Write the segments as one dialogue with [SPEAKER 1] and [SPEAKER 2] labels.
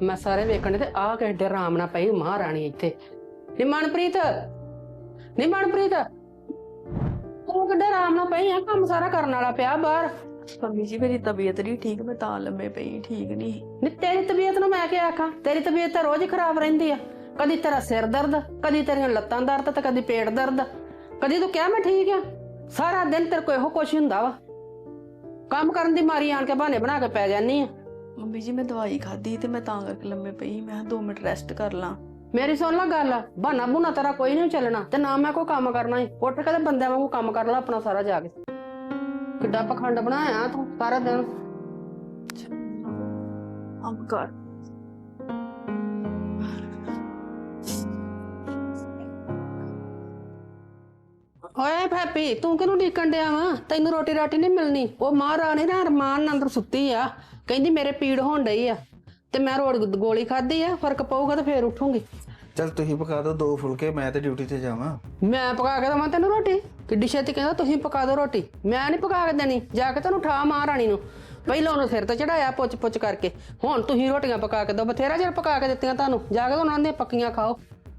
[SPEAKER 1] मैं सारे वेखण ते आ घंटे आराम ना पई महारानी इत्थे नी मनप्रीत तू किड्डे आराम ना पई है काम सारा करने वाला पिया बाहर
[SPEAKER 2] ਮੰਮੀ ਜੀ ਮੇਰੀ ਤਬੀਅਤ ਨਹੀਂ ਠੀਕ ਮੈਂ ਤਾਂ ਲੰਮੇ ਪਈ ਠੀਕ ਨਹੀਂ
[SPEAKER 1] नी तेरी तबीयत नूं मैं क्या आखां तेरी तबीयत तो रोज ही खराब रहिंदी आ कदी तेरा सिर दर्द कदी तेरियां लत्तां दर्द ते कदी पेट दर्द कदी तू क्या मैं ठीक आ सारा दिन तेरे को इहो कुछ हुंदा वा काम करन दी मारी आण के बहाने बना के पै जानी आ
[SPEAKER 2] ਮੰਮੀ ਜੀ ਮੈਂ ਦਵਾਈ ਖਾਧੀ ਤੇ ਮੈਂ ਤਾਂ ਕਰਕੇ ਲੰਮੇ ਪਈ ਮੈਂ 2 ਮਿੰਟ ਰੈਸਟ ਕਰ ਲਾਂ
[SPEAKER 1] मेरी सुन ला गल बहाना बूना तेरा कोई नहीं चलना ते ना मैं कोई काम करना ही उठ के ते बंदे वांगू काम कर ला अपना सारा जाके किड्डा पखंड बनाया तू सारा दिन
[SPEAKER 2] ਕੰਮ ਕਰ
[SPEAKER 1] ओए भापी तू किनू ਡੀਕਣ ਡਿਆ ਵਾ ਤੈਨੂੰ ਰੋਟੀ ਰਾਟੀ ਨਹੀਂ ਮਿਲਣੀ ਉਹ ਮਹਾਰਾਣੀ ਨਾ ਅਰਮਾਨ ਨਾਲ ਅੰਦਰ ਸੁੱਤੀ ਆ ਕਹਿੰਦੀ ਮੇਰੇ ਪੀੜ ਹੋਣ ਡਈ ਆ ਤੇ ਮੈਂ ਗੋਲੀ ਖਾਧੀ ਆ ਫਰਕ ਪਊਗਾ ਤੇ ਫੇਰ ਉੱਠੂਗੀ
[SPEAKER 3] चल तुही पका दो 2 फुलके मैं तो ड्यूटी ते जावां
[SPEAKER 1] मैं पका के दवां तैनू रोटी किड्डी छेती कहंदा तुसीं पका दो रोटी मैं नहीं पका के देनी जाके तैनू ठा महारानी नू ਪਹਿਲਾਂ ਉਹਨੂੰ ਸਿਰ ਤੇ ਚੜਾਇਆ ਪੁੱਛ ਪੁੱਛ ਕਰਕੇ ਹੁਣ ਤੁਸੀਂ ਰੋਟੀਆਂ ਪਕਾ ਕੇ ਦੋ ਬਥੇਰਾ ਚਿਰ ਪਕਾ ਕੇ ਦਿੱਤੀਆਂ ਤੁਹਾਨੂੰ ਜਾ ਕੇ ਉਹਨਾਂ ਦੀਆਂ ਪੱਕੀਆਂ ਖਾਓ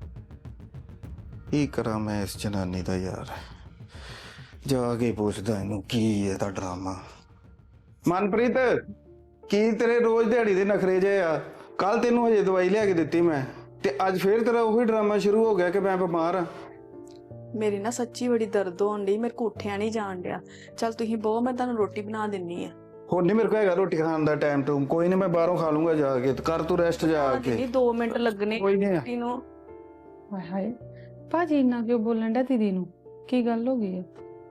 [SPEAKER 3] की करा मैं इस जनानी दा यार जाके पूछदा इनू की है ता ड्रामा मनप्रीत की तेरे रोज दिहाड़ी दे नखरे जे आ कल तेनू हजे दवाई लिया के दित्ती मैं ते अज फिर तेरा वही ड्रामा शुरू हो गया कि मैं बीमार हाँ
[SPEAKER 2] ਮੇਰੀ ਨਾ ਸੱਚੀ ਬੜੀ ਦਰਦ ਹੋਣ ਡਈ ਮੇਰੇ ਕੋ ਉੱਠਿਆ ਨਹੀਂ ਜਾਣ ਡਿਆ ਚਲ ਤੁਸੀਂ ਬਹੁ ਮੈਂ ਤੁਹਾਨੂੰ ਰੋਟੀ ਬਣਾ ਦਿੰਨੀ ਆ
[SPEAKER 3] हुण नहीं मेरे को हैगा रोटी खाने दा टाइम टूम कोई नहीं मैं बाहरों खा लूंगा जाके तो कर तू रेस्ट जाके
[SPEAKER 2] ਨਹੀਂ 2 ਮਿੰਟ ਲੱਗਣੇ
[SPEAKER 3] कोई नहीं
[SPEAKER 2] ਰੋਟੀ ਨੂੰ
[SPEAKER 4] ਹਾਏ ਹਾਏ ਭਾਜੀ ਇੰਨਾ ਕਿਉਂ ਬੋਲਣ ਡਿਆ ਦੀਦੀ ਨੂੰ ਕੀ ਗੱਲ ਹੋ ਗਈ ਹੈ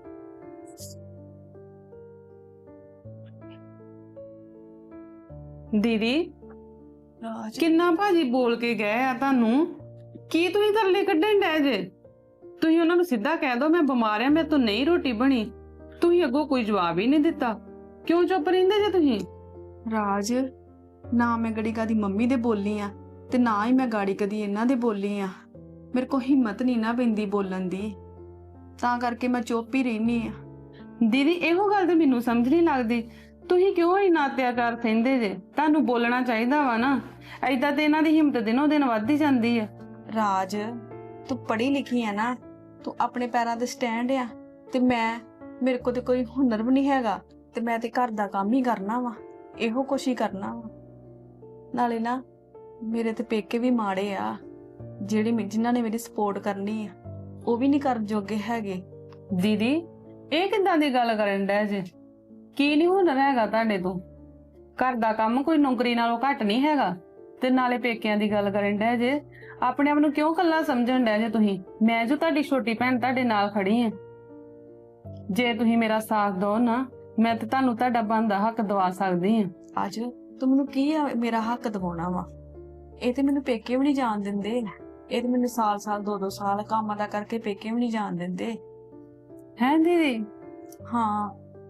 [SPEAKER 4] ਦੀਦੀ
[SPEAKER 2] ਰਾਜ
[SPEAKER 4] ਕਿੰਨਾ ਭਾਜੀ ਬੋਲ ਕੇ ਗਏ ਆ ਤੁਹਾਨੂੰ ਕੀ ਤੁਸੀਂ ਤਰਲੇ ਕੱਢਣ ਡੈ ਜੇ ਤੁਸੀਂ ਉਹਨਾਂ ਨੂੰ ਸਿੱਧਾ ਕਹਿ ਦੋ ਮੈਂ ਬਿਮਾਰ ਆ ਮੇਰੇ ਤੋਂ ਨਹੀਂ ਰੋਟੀ ਬਣੀ ਤੁਸੀਂ ਅੱਗੋਂ ਕੋਈ ਜਵਾਬ ਹੀ ਨਹੀਂ ਦਿੱਤਾ ਕਿਉਂ ਚੁੱਪ ਰਹਿੰਦੇ ਜੇ ਤੁਸੀਂ
[SPEAKER 2] ਰਾਜ ਨਾ ਮੈਂ ਗੜੀ ਕਦੀ ਮੰਮੀ ਦੇ ਬੋਲੀ ਆ ਤੇ ਨਾ ਹੀ ਮੈਂ ਗਾੜੀ ਕਦੀ ਇਹਨਾਂ ਦੇ ਬੋਲੀ ਆ ਮੇਰੇ ਕੋ ਹਿੰਮਤ ਨਹੀਂ ਨਾ ਪੈਂਦੀ ਬੋਲਣ ਦੀ ਤਾਂ ਕਰਕੇ ਮੈਂ ਚੁੱਪ ਹੀ ਰਹਿਨੀ ਆ
[SPEAKER 4] ਦੀਦੀ ਇਹੋ ਗੱਲ ਤੇ ਮੈਨੂੰ ਸਮਝ ਨਹੀਂ ਲੱਗਦੀ ਤੁਸੀਂ ਕਿਉਂ ਇੰਨਾ ਅਤਿਆਚਾਰ ਸਹਿੰਦੇ ਜੇ ਤੁਹਾਨੂੰ ਬੋਲਣਾ ਚਾਹੀਦਾ ਵਾ ਨਾ ਏਦਾਂ ਤੇ ਇਹਨਾਂ ਦੀ ਹਿੰਮਤ ਦਿਨੋਂ ਦਿਨ ਵੱਧਦੀ ਜਾਂਦੀ ਆ
[SPEAKER 2] ਰਾਜ ਤੂੰ ਪੜ੍ਹੀ ਲਿਖੀ ਆ ਨਾ ਤੂੰ ਆਪਣੇ ਪੈਰਾਂ ਤੇ ਸਟੈਂਡ ਆ ਤੇ ਮੇਰੇ ਕੋਲ ਤੇ ਕੋਈ ਹੁਨਰ ਵੀ ਨਹੀਂ ਹੈਗਾ ਤੇ ਮੈਂ ਤੇ ਘਰ ਦਾ ਕੰਮ ਹੀ ਕਰਨਾ ਵਾ ਇਹੋ ਕੁਛ ਹੀ ਕਰਨਾ ਵਾ ਨਾਲੇ ਨਾ ਮੇਰੇ ਤੇ ਪੇਕੇ ਵੀ ਮਾੜੇ ਆ ਜਿਨ੍ਹਾਂ ਨੇ ਮੇਰੀ ਸਪੋਰਟ ਕਰਨੀ ਆ ਉਹ ਵੀ ਨਹੀਂ ਕਰਨ ਜੋਗੇ ਹੈਗੇ
[SPEAKER 4] ਦੀਦੀ ਇਹ ਕਿੱਦਾਂ ਦੀ ਗੱਲ ਕਰਨ ਡੈ ਜੇ ਕੀ ਨਹੀਂ ਹੁਨਰ ਹੈਗਾ ਤੁਹਾਡੇ ਤੋਂ ਘਰ ਦਾ ਕੰਮ ਕੋਈ ਨੌਕਰੀ ਨਾਲੋਂ ਘੱਟ ਨਹੀਂ ਹੈਗਾ ਤੇ ਨਾਲੇ ਪੇਕਿਆਂ ਦੀ ਗੱਲ ਕਰਨ ਡੈ ਜੇ ਆਪਣੇ ਆਪ ਨੂੰ ਕਿਉਂ ਕੱਲਾ ਸਮਝਣ ਡੈ ਜੇ ਤੁਸੀਂ ਮੈਂ ਜੋ ਤੁਹਾਡੀ ਛੋਟੀ ਭੈਣ ਤੁਹਾਡੇ ਨਾਲ ਖੜੀ ਆ ਜੇ ਤੁਸੀਂ ਮੇਰਾ ਸਾਥ ਦਿਓ ਨਾ ਮੈਂ ਤੇ ਤੁਹਾਨੂੰ ਤੁਹਾਡਾ ਬਣਦਾ ਹੱਕ ਦਵਾ ਸਕਦੀ ਆ
[SPEAKER 2] ਅੱਜ ਤੂੰ ਮੈਨੂੰ ਕੀ ਆ ਮੇਰਾ ਹੱਕ ਦਿਵਾਉਣਾ ਵਾ ਇਹ ਤੇ ਮੈਨੂੰ ਪੇਕੇ ਵੀ ਨਹੀਂ ਜਾਣ ਦਿੰਦੇ ਇਹ ਤੇ ਮੈਨੂੰ ਸਾਲ 2 ਸਾਲ ਕੰਮ ਦਾ ਕਰਕੇ ਪੇਕੇ ਵੀ ਨਹੀਂ ਜਾਣ ਦਿੰਦੇ
[SPEAKER 4] ਹੈ ਦੀਦੀ
[SPEAKER 2] ਹਾਂ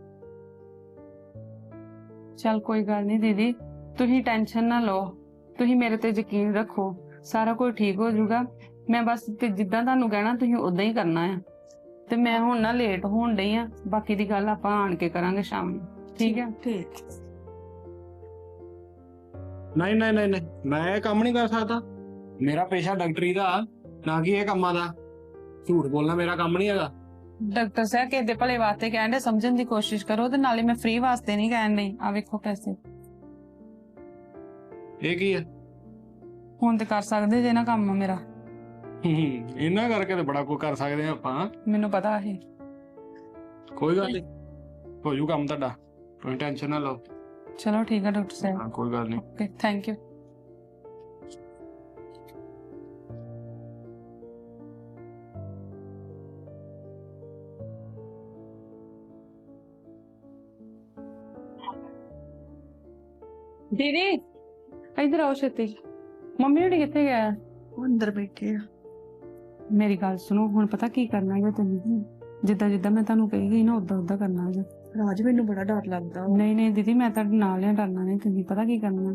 [SPEAKER 4] ਚਲ ਕੋਈ ਗੱਲ ਨਹੀਂ ਦੀਦੀ ਤੁਸੀਂ ਟੈਨਸ਼ਨ ਨਾ ਲਓ ਤੁਸੀਂ ਮੇਰੇ ਤੇ ਯਕੀਨ ਰੱਖੋ ਸਾਰਾ ਕੁਝ ਠੀਕ ਹੋ ਜਾਊਗਾ ਮੈਂ ਬਸ ਤੇ ਜਿੱਦਾਂ ਤੁਹਾਨੂੰ ਕਹਿਣਾ ਤੁਸੀਂ ਉਦਾਂ ਹੀ ਕਰਨਾ ਆ ਤੇ ਮੈਂ ਹੁਣ ਨਾ ਲੇਟ ਹੋਣ ਡਈ ਆ ਬਾਕੀ ਦੀ ਗੱਲ ਆਪਾਂ ਆਣ ਕੇ ਕਰਾਂਗੇ ਸ਼ਾਮ ਨੂੰ ਠੀਕ ਹੈ
[SPEAKER 2] ਠੀਕ
[SPEAKER 5] ਨਹੀਂ ਨਹੀਂ ਨਹੀਂ ਨਹੀਂ ਮੈਂ ਇਹ ਕੰਮ ਨਹੀਂ ਕਰ ਸਕਦਾ ਮੇਰਾ ਪੇਸ਼ਾ ਡਾਕਟਰੀ ਦਾ ਨਾ ਕਿ ਇਹ ਕੰਮਾਂ ਦਾ ਝੂਠ ਬੋਲਣਾ ਮੇਰਾ ਕੰਮ ਨਹੀਂ ਹੈਗਾ
[SPEAKER 4] ਡਾਕਟਰ ਸਾਹਿਬ ਕਿਸੇ ਦੇ ਭਲੇ ਵਾਸਤੇ ਕਹਿਣ ਦੇ ਸਮਝਣ ਦੀ ਕੋਸ਼ਿਸ਼ ਕਰੋ ਤੇ ਨਾਲੇ ਮੈਂ ਫ੍ਰੀ ਵਾਸਤੇ ਨਹੀਂ ਕਹਿਣ ਡਈ ਆ ਵੇਖੋ ਪੈਸੇ
[SPEAKER 5] ਇਹ ਕੀ ਹੈ
[SPEAKER 4] ਹੁਣ ਤੇ ਕਰ ਸਕਦੇ ਜੇ ਨਾ ਕੰਮ ਮੇਰਾ
[SPEAKER 5] ਇਹਨਾਂ ਕਰਕੇ ਤੇ ਬੜਾ ਕੁਝ ਕਰ ਸਕਦੇ ਆ ਆਪਾਂ
[SPEAKER 4] ਮੈਨੂੰ ਪਤਾ ਹੈ
[SPEAKER 5] ਕੋਈ ਗੱਲ ਨਹੀਂ ਹੋ ਜੂ ਕੰਮ ਤੁਹਾਡਾ ਕੋਈ ਟੈਨਸ਼ਨ ਨਾ ਲਓ
[SPEAKER 4] ਚਲੋ ਠੀਕ ਹੈ ਡਾਕਟਰ ਸਾਹਿਬ
[SPEAKER 5] ਹਾਂ ਕੋਈ ਗੱਲ ਨਹੀਂ
[SPEAKER 4] ਓਕੇ ਥੈਂਕ ਯੂ ਦੀਦੀ ਇਧਰ ਆਓ ਛੇਤੀ ਮੰਮੀ ਹੋਣੀ ਕਿੱਥੇ ਗਿਆ
[SPEAKER 2] ਉਹ ਅੰਦਰ ਬੈਠੇ ਆ
[SPEAKER 4] ਮੇਰੀ ਗੱਲ ਸੁਣੋ ਹੁਣ ਪਤਾ ਕੀ ਕਰਨਾ ਹੈ ਤੈਨੂੰ ਜਿੱਦਾਂ ਜਿੱਦਾਂ ਮੈਂ ਤੁਹਾਨੂੰ ਕਹੀ ਗਈ ਨਾ ਉਦਾਂ ਉਦਾਂ ਕਰਨਾ ਹੈ
[SPEAKER 2] ਰਾਜ ਮੈਨੂੰ ਬੜਾ ਡਰ ਲੱਗਦਾ
[SPEAKER 4] ਨਹੀਂ ਨਹੀਂ ਦੀਦੀ ਮੈਂ ਤੁਹਾਡੇ ਨਾਲ ਹੀ ਡਰਨਾ ਨਹੀਂ ਤੁਸੀਂ ਪਤਾ ਕੀ ਕਰਨਾ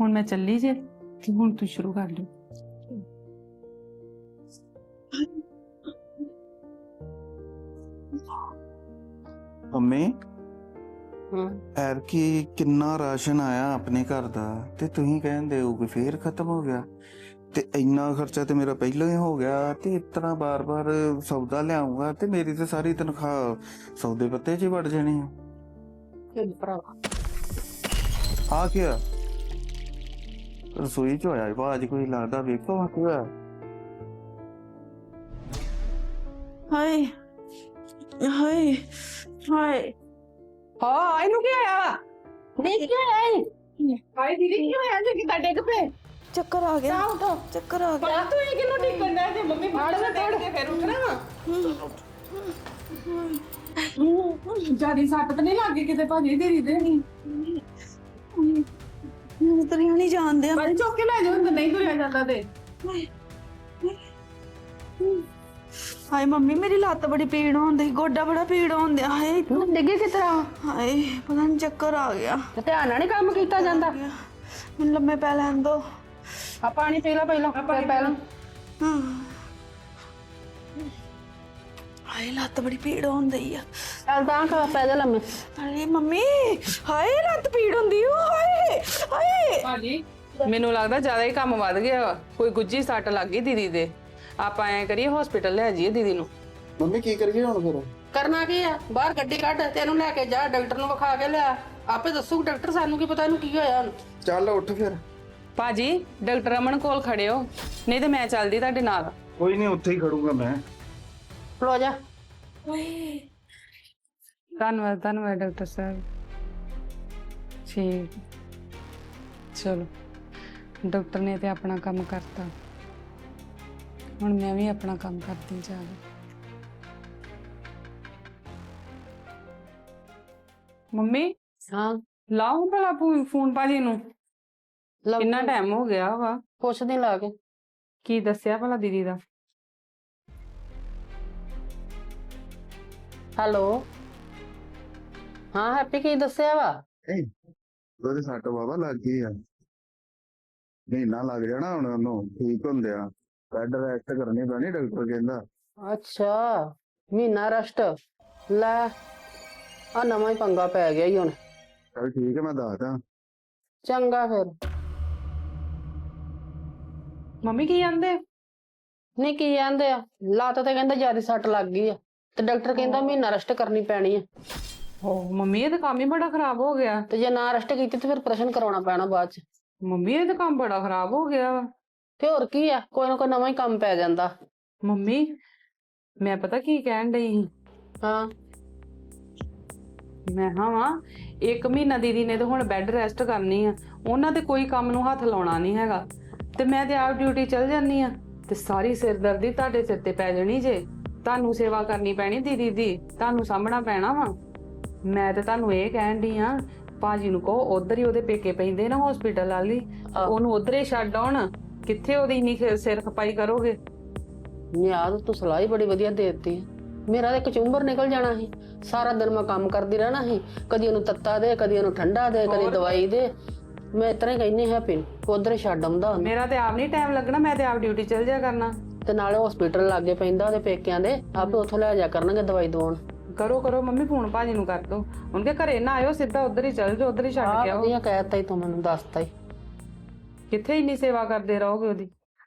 [SPEAKER 4] ਹੁਣ ਮੈਂ ਚੱਲੀ ਜੇ ਤੇ ਹੁਣ ਤੂੰ ਸ਼ੁਰੂ ਕਰ ਲਿਓ।
[SPEAKER 3] ਮੰਮੀ
[SPEAKER 1] ਹਾਂ
[SPEAKER 3] ਐਰਕੀ ਕਿੰਨਾ ਰਾਸ਼ਨ ਆਇਆ ਆਪਣੇ ਘਰ ਦਾ ਤੇ ਤੁਸੀਂ ਕਹਿੰਦੇ ਹੋ ਕਿ ਫੇਰ ਖਤਮ ਹੋ ਗਿਆ ਤੇ ਇੰਨਾ ਖਰਚਾ ਤੇ ਮੇਰਾ ਪਹਿਲਾਂ ਹੀ ਹੋ ਗਿਆ ਤੇ ਇਤਨਾ ਬਾਰ-ਬਾਰ ਸੌਦਾ ਲਿਆਉਂਗਾ ਤੇ ਮੇਰੀ ਤੇ ਸਾਰੀ ਤਨਖਾਹ ਸੌਦੇ ਪੱਤੇ 'ਚ ਹੀ ਵੜ ਜਾਣੀ ਆ।
[SPEAKER 1] ਚੱਲ ਭਰਾਵਾ
[SPEAKER 3] ਆ ਗਿਆ ਰਸੋਈ 'ਚ ਹੋਇਆ ਬਾਜ ਕੋਈ ਲੱਗਦਾ ਵੇਖੋ ਆ ਕੀ ਹੋਇਆ।
[SPEAKER 2] ਹਾਏ ਹਾਏ ਹਾਏ
[SPEAKER 1] ਹਾਂ ਇਹਨੂੰ ਕੀ ਹੋਇਆ ਨਹੀਂ ਕੀ ਹੋਇਆ ਹਾਏ ਦੀਦੀ ਕੀ ਹੋਇਆ ਜੇ ਕਿਦਾਂ ਡਿੱਗ ਪਏ
[SPEAKER 2] ਚੱਕਰ ਆ ਗਿਆ
[SPEAKER 1] ਉਠੋ
[SPEAKER 2] ਚੱਕਰ ਆ ਗਿਆ
[SPEAKER 1] ਤੂੰ ਇਹ ਕਿਨੂੰ ਡਿੱਗਣ ਦਾ ਜੇ ਮੰਮੀ ਫੜ ਕੇ ਫਿਰ ਉੱਠਣਾ ਵਾ
[SPEAKER 4] ਜਿਆਦੀ ਸੱਟ ਤਾਂ ਨਹੀਂ ਲੱਗੀ ਕਿਤੇ ਭਾਜੀ ਤੇਰੀ ਦੇ
[SPEAKER 2] ਮੈਨੂੰ ਤਰੀਆਂ ਨਹੀਂ ਜਾਣਦੇ ਆ
[SPEAKER 4] ਭਾਜੀ ਚੁੱਕ ਕੇ ਲੈ ਜਾਓ ਨਹੀਂ ਤੁਰਿਆ ਜਾਂਦਾ ਤੇ
[SPEAKER 2] ਹਾਏ ਮੰਮੀ ਮੇਰੀ ਲੱਤ ਬੜੀ ਪੀੜ ਹੁੰਦੀ ਗੋਡਾ ਬੜਾ ਪੀੜ ਹੁੰਦਿਆ ਹਾਏ
[SPEAKER 1] ਤੂੰ ਡਿੱਗੀ ਕਿਸ ਤਰ੍ਹਾਂ
[SPEAKER 2] ਹਾਏ ਪਤਾ ਨਹੀਂ ਚੱਕਰ ਆ ਗਿਆ
[SPEAKER 1] ਤੇ ਧਿਆਨ ਨਾਲ ਨਹੀਂ ਕੰਮ ਕੀਤਾ ਜਾਂਦਾ
[SPEAKER 2] ਮੈਨੂੰ ਲੰਮੇ ਪੈ ਲੈਣ ਦੋ
[SPEAKER 1] ਆ ਪਾਣੀ ਪੀ ਲੈ ਪਹਿਲਾਂ ਫਿਰ ਪਹਿਲਾਂ
[SPEAKER 2] ਹਾਏ ਲੱਤ ਬੜੀ ਪੀੜ ਹੁੰਦੀ ਆ
[SPEAKER 1] ਚੱਲ ਤਾਂ ਖਾ ਪੈ ਜਾ ਲੰਮੇ
[SPEAKER 2] ਅਰੇ ਮੰਮੀ ਹਾਏ ਲੱਤ ਪੀੜ ਹੁੰਦੀ ਓ ਹਾਏ ਹਾਏ
[SPEAKER 4] ਭਾਜੀ ਮੈਨੂੰ ਲੱਗਦਾ ਜ਼ਿਆਦਾ ਹੀ ਕੰਮ ਵੱਧ ਗਿਆ ਵਾ ਕੋਈ ਗੁੱਜੀ ਸੱਟ ਲੱਗ ਗਈ ਦੀਦੀ ਦੇ ਆਪਾਂ ਐ ਕਰੀਏ ਹਸਪੀਟਲ ਲੈ ਜਾਈਏ ਦੀਦੀ ਨੂੰ।
[SPEAKER 3] ਮੰਮੀ ਕੀ ਕਰੀਏ ਹੁਣ ਫਿਰ?
[SPEAKER 1] ਕਰਨਾ ਕੀ ਆ ਬਾਹਰ ਗੱਡੀ ਕੱਢ ਤੇ ਇਹਨੂੰ ਲੈ ਕੇ ਜਾ ਡਾਕਟਰ ਨੂੰ ਵਿਖਾ ਕੇ ਲਿਆ ਆਪੇ ਦੱਸੂ ਡਾਕਟਰ ਸਾਨੂੰ ਕੀ ਪਤਾ ਇਹਨੂੰ ਕੀ ਹੋਇਆ ਹੁਣ
[SPEAKER 3] ਚੱਲ ਉੱਠ ਫਿਰ।
[SPEAKER 4] ਭਾਜੀ ਡਾਕਟਰ ਅਮਨ ਕੋਲ ਖੜਿਓ ਨਹੀਂ ਤੇ ਮੈਂ ਚੱਲਦੀ ਤੁਹਾਡੇ ਨਾਲ।
[SPEAKER 3] ਕੋਈ ਨਹੀਂ ਉੱਥੇ ਹੀ ਖੜੂਗਾ ਮੈਂ।
[SPEAKER 1] ਖਲੋ ਜਾ
[SPEAKER 4] ਧੰਨਵਾਦ ਡਾਕਟਰ ਸਾਹਿਬ। ਠੀਕ ਚਲੋ ਡਾਕਟਰ ਨੇ ਤੇ ਆਪਣਾ ਕੰਮ ਕਰਤਾ ਹੁਣ ਮੈਂ ਵੀ ਆਪਣਾ ਕੰਮ ਕਰਦੀ ਜਾਵਾਂ। ਮੰਮੀ
[SPEAKER 1] ਹਾਂ
[SPEAKER 4] ਲਾਓ ਭਲਾ ਫੋਨ ਭਾਜੀ ਨੂੰ
[SPEAKER 1] ਲਓ
[SPEAKER 4] ਕਿੰਨਾ ਟਾਈਮ ਹੋ ਗਿਆ ਵਾ
[SPEAKER 1] ਕੁਛ ਦਿਨ ਲਾ ਕੇ
[SPEAKER 4] ਕੀ ਦੱਸਿਆ ਭਲਾ ਦੀਦੀ ਦਾ।
[SPEAKER 1] ਹੈਲੋ ਹਾਂ ਹੈਪੀ ਕੀ ਦੱਸਿਆ ਵਾ
[SPEAKER 3] ਉਹਦੇ ਸੱਟ ਬਾਬਾ ਲੱਗ ਗਈ ਆ ਮਹੀਨਾ ਲੱਗ ਜਾਣਾ ਹੁਣ ਉਹਨੂੰ ਠੀਕ ਹੁੰਦਿਆ ਬੈੱਡ ਰੈਸਟ ਕਰਨੀ ਪੈਣੀ ਡਾਕਟਰ ਕਹਿੰਦਾ।
[SPEAKER 1] ਅੱਛਾ ਮਹੀਨਾ ਰੈਸਟ ਲੈ ਆ ਨਵਾਂ ਹੀ ਪੰਗਾ ਪੈ ਗਿਆ ਈ ਹੁਣ
[SPEAKER 3] ਚਲ ਠੀਕ ਹੈ ਮੈਂ ਦੱਸਦਾ।
[SPEAKER 1] ਚੰਗਾ ਫਿਰ
[SPEAKER 4] ਮੰਮੀ ਕੀ ਕਹਿੰਦੇ
[SPEAKER 1] ਨਹੀਂ ਕੀ ਕਹਿੰਦੇ ਆ ਲੱਤ ਤੇ ਕਹਿੰਦਾ ਜਿਆਦਾ ਸੱਟ ਲੱਗ ਗਈ ਆ ਤੇ ਡਾਕਟਰ ਕਹਿੰਦਾ ਮਹੀਨਾ ਰੈਸਟ ਕਰਨੀ ਪੈਣੀ ਆ
[SPEAKER 4] ਹੋ ਮੰਮੀ ਇਹ ਤਾਂ ਕੰਮ ਹੀ ਬੜਾ ਖਰਾਬ ਹੋ ਗਿਆ।
[SPEAKER 1] ਤੇ ਜੇ ਨਾ ਰੈਸਟ ਕੀਤੀ ਤੇ ਫਿਰ ਪ੍ਰਸ਼ਨ ਕਰਾਉਣਾ ਪੈਣਾ ਬਾਅਦ ਚ।
[SPEAKER 4] ਮੰਮੀ ਇਹ ਤਾਂ ਕੰਮ ਬੜਾ ਖਰਾਬ ਹੋ ਗਿਆ ਵਾ।
[SPEAKER 1] ਤੇ ਹੋਰ ਕੀ ਆ ਕੋਈ ਨਾ ਕੋਈ ਨਵਾਂ ਹੀ ਕੰਮ ਪੈ ਜਾਂਦਾ।
[SPEAKER 4] ਮੰਮੀ ਮੈਂ ਪਤਾ ਕੀ ਕਹਿਣ ਡਈ ਸੀ
[SPEAKER 1] ਹਾਂ
[SPEAKER 4] ਮੈਂ ਵਾ 1 ਮਹੀਨਾ ਦੀਦੀ ਨੇ ਤੇ ਹੁਣ ਬੈੱਡ ਰੈਸਟ ਕਰਨੀ ਆ ਉਹਨਾਂ ਤੇ ਕੋਈ ਕੰਮ ਨੂੰ ਹੱਥ ਲਾਉਣਾ ਨਹੀਂ ਹੈਗਾ ਤੇ ਮੈਂ ਤੇ ਆਪ ਡਿਊਟੀ ਚਲ ਜਾਨੀ ਆ ਤੇ ਸਾਰੀ ਸਿਰਦਰਦੀ ਤੁਹਾਡੇ ਸਿਰ ਤੇ ਪੈ ਜਾਣੀ ਜੇ। ਤੁਹਾਨੂੰ ਸੇਵਾ ਕਰਨੀ ਪੈਣੀ ਦੀਦੀ ਦੀ ਤੁਹਾਨੂੰ ਸਾਂਭਣਾ ਪੈਣਾ ਵਾ। ਮੈਂ ਤੇ ਤੁਹਾਨੂੰ ਇਹ ਕਹਿਣ ਡਈ ਆ ਭਾਜੀ ਨੂੰ ਕਹੋ ਉਧਰ ਹੀ ਉਹਦੇ ਪੇਕੇ ਪੈਂਦੇ ਨਾ ਹਸਪੀਟਲ ਵਾਲੀ ਉਹਨੂੰ ਉਧਰ ਹੀ ਛੱਡ ਆਉਣ। ਕਿੱਥੇ ਉਹਦੀ ਇੰਨੀ ਸਿਰ ਖਪਾਈ ਕਰੋਗੇ।
[SPEAKER 1] ਨਿਆਦ ਤੂੰ ਸਲਾਹ ਹੀ ਬੜੀ ਵਧੀਆ ਦੇ ਦਿੱਤੀ ਮੇਰਾ ਤੇ ਕਚੁੰਬਰ ਨਿਕਲ ਜਾਣਾ ਸੀ ਸਾਰਾ ਦਿਨ ਮੈਂ ਕੰਮ ਕਰਦੀ ਰਹਿਣਾ ਸੀ ਕਦੀ ਉਹਨੂੰ ਤੱਤਾ ਦੇ ਕਦੀ ਉਹਨੂੰ ਠੰਡਾ ਦੇ ਕਦੀ ਦਵਾਈ ਦੇ ਮੈਂ ਇਤਨਾ ਹੀ ਕਹਿੰਨੀ ਹੈਪੀ ਉਧਰ ਹੀ ਛੱਡ ਆਉਂਦਾ
[SPEAKER 4] ਮੇਰਾ ਤੇ ਆਪ ਨਹੀਂ ਟਾਈਮ ਲੱਗਣਾ ਮੈਂ ਤੇ ਆਪ ਡਿਊਟੀ ਚਲ ਜਾ ਕਰਨਾ
[SPEAKER 1] ਤੇ ਨਾਲੇ ਹਸਪੀਟਲ ਲਾਗੇ ਪੈਂਦਾ ਉਹਦੇ ਪੇਕਿਆਂ ਦੇ ਆਪੇ ਉੱਥੋਂ ਲੈ ਜਾ ਕਰਨਗੇ ਦਵਾਈ ਦਵਾਉਣ।
[SPEAKER 4] ਕਰੋ ਮੰਮੀ ਫੋਨ ਭਾਜੀ ਨੂੰ ਕਰ ਦੋ ਉਹਨਕੇ ਘਰੇ ਨਾ ਆਇਓ ਸਿੱਧਾ ਉਧਰ ਹੀ ਚਲ ਜਾਓ ਉਧਰ ਹੀ ਛੱਡ ਕੇ ਆਓ।
[SPEAKER 1] ਵਧੀਆ ਕਹਿਤਾ ਹੀ ਤੂੰ ਮੈਨੂੰ ਦੱਸਤਾ ਹੀ
[SPEAKER 4] ਕਿੱਥੇ ਇੰਨੀ ਸੇਵਾ ਕਰਦੇ ਰਹੋਗੇ ਉਹਦੀ।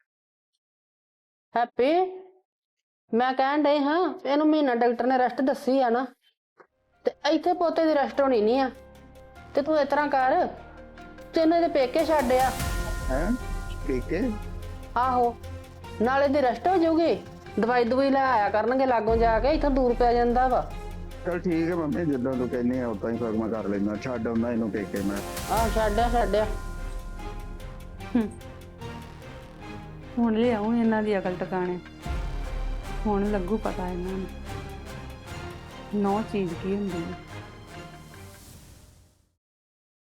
[SPEAKER 1] ਹੈਪੀ ਮੈਂ ਕਹਿਣ ਡਈ ਹਾਂ ਇਹਨੂੰ ਮਹੀਨਾ ਡਾਕਟਰ ਨੇ ਰੈਸਟ ਦੱਸੀ ਆ ਨਾ ਤੇ ਇੱਥੇ ਪੋਤੇ ਦੀ ਰੈਸਟ ਹੋਣੀ ਨਹੀਂ ਆ ਤੇ ਤੂੰ ਇਸ ਤਰ੍ਹਾਂ ਕਰ ਤੈਨੂੰ ਇਹਦੇ ਪੇਕੇ ਛੱਡਿਆ
[SPEAKER 3] ਹੈ ਠੀਕ ਹੈ
[SPEAKER 1] ਆਹੋ ਨਾਲੇ ਦੀ ਰੈਸਟ ਹੋ ਜਾਊਗੀ ਦਵਾਈ ਦਵਾਈ ਲੈ ਆਇਆ ਕਰਨਗੇ ਲਾਗੋਂ ਜਾ ਕੇ ਇੱਥੋਂ ਦੂਰ ਪੈ ਜਾਂਦਾ ਵਾ।
[SPEAKER 3] ਚਲ ਠੀਕ ਹੈ ਮੰਮੀ ਜਿੱਦਾਂ ਤੂੰ ਕਹਿੰਦੀ ਆ ਉਦਾਂ ਹੀ ਫਿਰ ਮੈਂ ਕਰ ਲੈਂਦਾ ਛੱਡ ਆਉਂਦਾ ਇਹਨੂੰ ਪੇਕੇ ਮੈਂ।
[SPEAKER 1] ਆਹ ਛੱਡਿਆ
[SPEAKER 4] ਹੁਣ ਲਿਆਉਂ ਇਹਨਾਂ ਦੀ ਅਕਲ ਟਿਕਾਣੇ ਹੁਣ ਲੱਗੂ ਪਤਾ ਇਹਨਾਂ ਨੂੰ ਨੌ ਚੀਜ਼ ਕੀ ਹੁੰਦੀ ਹੈ।